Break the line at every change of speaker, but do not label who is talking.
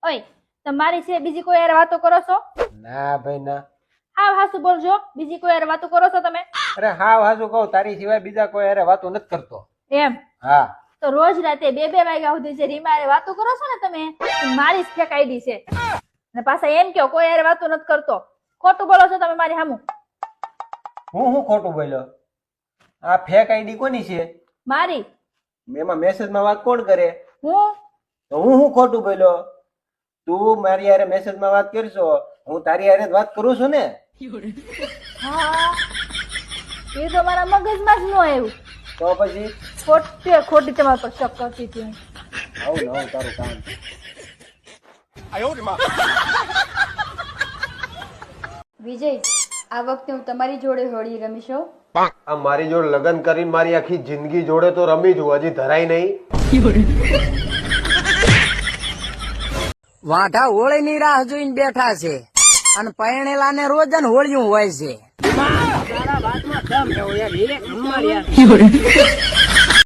ઓય તમારી છે બીજી કોઈ યાર વાતો કરો છો?
ના ભાઈ ના.
હાવ હાસુ બોલજો, બીજી કોઈ યાર વાતો કરો છો તમે?
અરે હાવ હાસુ કહું, તારી સિવાય બીજા કોઈ હારે વાતો નથી કરતો.
એમ
હા.
તો રોજ રાતે 2-2 વાગ્યા સુધી જે રીમા હારે વાતો કરો છો ને તમે, એ મારી જ ફેક આઈડી છે. અને પાછા એમ કહો કોઈ યાર વાતો નથી કરતો. ખોટું બોલો છો તમે મારી સામું.
હું ખોટું બોલ્યો? આ ફેક આઈડી કોની છે?
મારી.
એમાં મેસેજમાં વાત કોણ કરે?
હું.
તો હું ખોટું બોલ્યો? તું મારી હારે મેસેજમાં વાત કરશો, હું તારી હારે જ વાત કરું છું ને.
હા એ તો મારા મગજમાં જ ન આવ્યું.
તો પછી
ખોટી તમારા પર શક કરતી હતી હું.
આવું ને આવું તારું કામ.
વિજય, આ વખતે હું તમારી જોડે હોળી રમીશ હો.
આ મારી જોડે લગ્ન કરીને મારી આખી જિંદગી જોડે તો રમી છું, હજી ધરાય નહીં.
વાઢા હોળી ની રાહ જોઈને બેઠા છે અને પરણેલા ને રોજ જ હોળિયું હોય છે.